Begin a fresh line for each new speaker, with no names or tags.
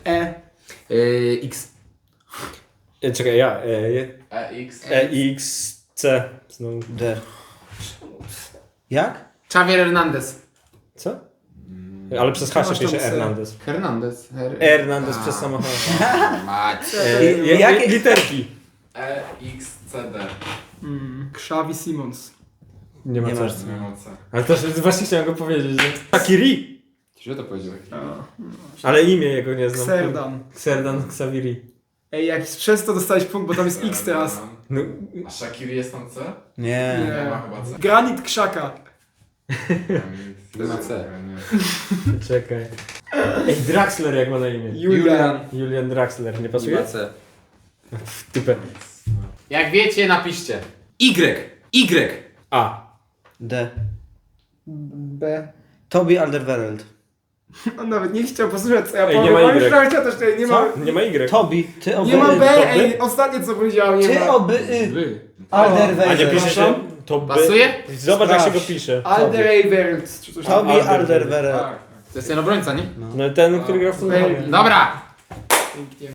E.
X.
Czekaj, ja.
EX.
X, C. Znowu.
D. Jak?
Xavier Hernandez.
Co? Ale przez H
Masz
się pisze
tam C.
Hernandez.
Hernandez.
Hernandez przez samochód.
Mać.
Jakie-
Literki.
EXCD.
Xavi Simons.
Nie ma
Nie
co.
masz.
Nie ma co.
Ale też właśnie chciałem go powiedzieć, że... Takiri!
Źle to powiedziałeś.
Ale imię jego nie znam.
Xerdan.
Xerdan Xaviri.
Ej, jak przez to dostałeś punkt, bo tam jest X teraz.
No,
A Shakiri jest tam C?
Nie.
Nie ma chyba C.
Granit Krzaka.
Nie ma C.
czekaj. Ej, Draxler jak ma na imię.
Julian.
Julian Draxler, nie pasuje?
Nie ma C.
Typę.
Jak wiecie, napiszcie.
Y.
A.
D.
B.
Toby Alderweireld.
On nawet nie chciał posłuchać, co ja
Ej,
powiem.
nie ma
On już
Y.
nawet chciał też nie ma.
Nie ma Y.
Toby. Ty oby.
Nie ma B,
To
ej,
by?
ostatnie co powiedziałem, nie
Ty
ma.
oby.
A nie
Alderweireld.
pisze się... To by...
Pasuje?
Zobacz jak się go
Sprawdź.
pisze.
Alderweireld, czy coś tam.
Toby Alderweireld.
Tak.
To jest ten obrońca, nie?
No ten, który gra w tym.
Belgii.
Dobra.
Pięknie.